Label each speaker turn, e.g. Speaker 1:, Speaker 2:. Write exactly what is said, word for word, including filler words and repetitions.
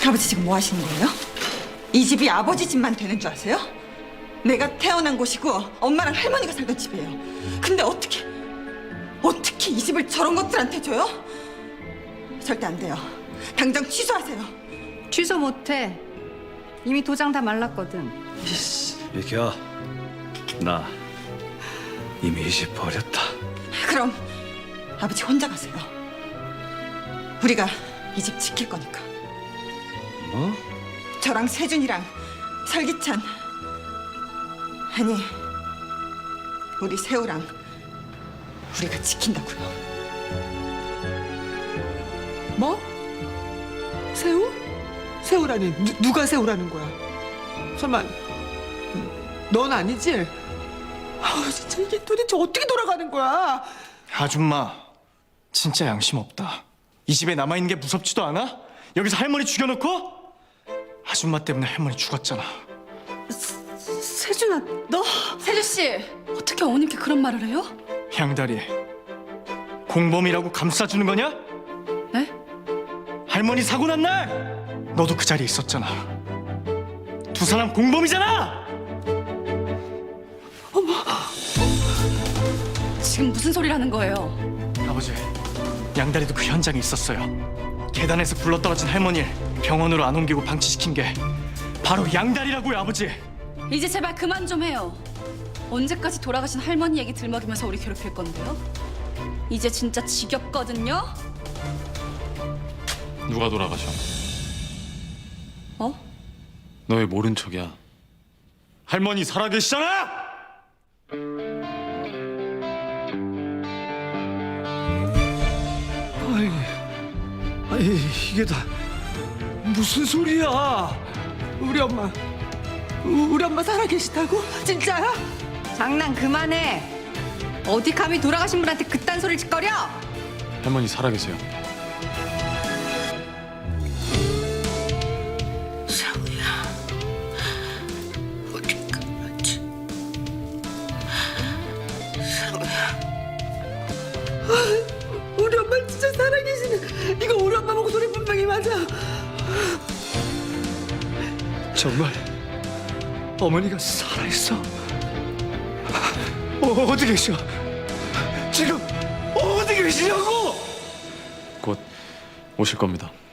Speaker 1: 아버지 지금 뭐 하시는 거예요? 이 집이 아버지 집만 되는 줄 아세요? 내가 태어난 곳이고 엄마랑 할머니가 살던 집이에요. 근데 어떻게 어떻게 이 집을 저런 것들한테 줘요? 절대 안 돼요. 당장 취소하세요.
Speaker 2: 취소 못해. 이미 도장 다 말랐거든.
Speaker 3: 비켜. 나 이미 이 집 버렸다.
Speaker 1: 그럼 아버지 혼자 가세요. 우리가 이 집 지킬 거니까.
Speaker 3: 뭐?
Speaker 1: 저랑 세준이랑 설기찬, 아니 우리 세우랑 우리가 지킨다고요.
Speaker 4: 뭐? 새우? 새우라니 누, 누가 새우라는 거야? 설마 넌 아니지? 아 진짜 이게 도대체 어떻게 돌아가는 거야?
Speaker 5: 아줌마, 진짜 양심 없다. 이 집에 남아있는 게 무섭지도 않아? 여기서 할머니 죽여놓고? 아줌마 때문에 할머니 죽었잖아.
Speaker 2: 세준아, 너
Speaker 6: 세주 씨, 어떻게 어머님께 그런 말을 해요?
Speaker 5: 양다리, 공범이라고 감싸주는 거냐?
Speaker 6: 네?
Speaker 5: 할머니 사고 난 날 너도 그 자리에 있었잖아. 두 사람 공범이잖아!
Speaker 6: 지금 무슨 소리를 하는 거예요?
Speaker 5: 아버지, 양다리도 그 현장에 있었어요. 계단에서 굴러떨어진 할머니를 병원으로 안 옮기고 방치시킨 게 바로 양다리라고요, 아버지.
Speaker 6: 이제 제발 그만 좀 해요. 언제까지 돌아가신 할머니 얘기 들먹이면서 우리 괴롭힐 건데요? 이제 진짜 지겹거든요?
Speaker 7: 누가 돌아가셔?
Speaker 6: 어?
Speaker 7: 너 왜 모른 척이야? 할머니 살아계시잖아!
Speaker 4: 아이, 아이 이게 다 무슨 소리야? 우리 엄마, 우- 우리 엄마 살아계시다고? 진짜야?
Speaker 2: 장난 그만해. 어디 감히 돌아가신 분한테 그딴 소리를 짓거려?
Speaker 7: 할머니 살아계세요.
Speaker 4: 우리 엄마 진짜 살아계시네. 이거 우리 엄마 목소리 분명히 맞아. 정말 어머니가 살아있어? 어, 어디 계셔? 지금 어디 계시냐고?
Speaker 7: 곧 오실 겁니다.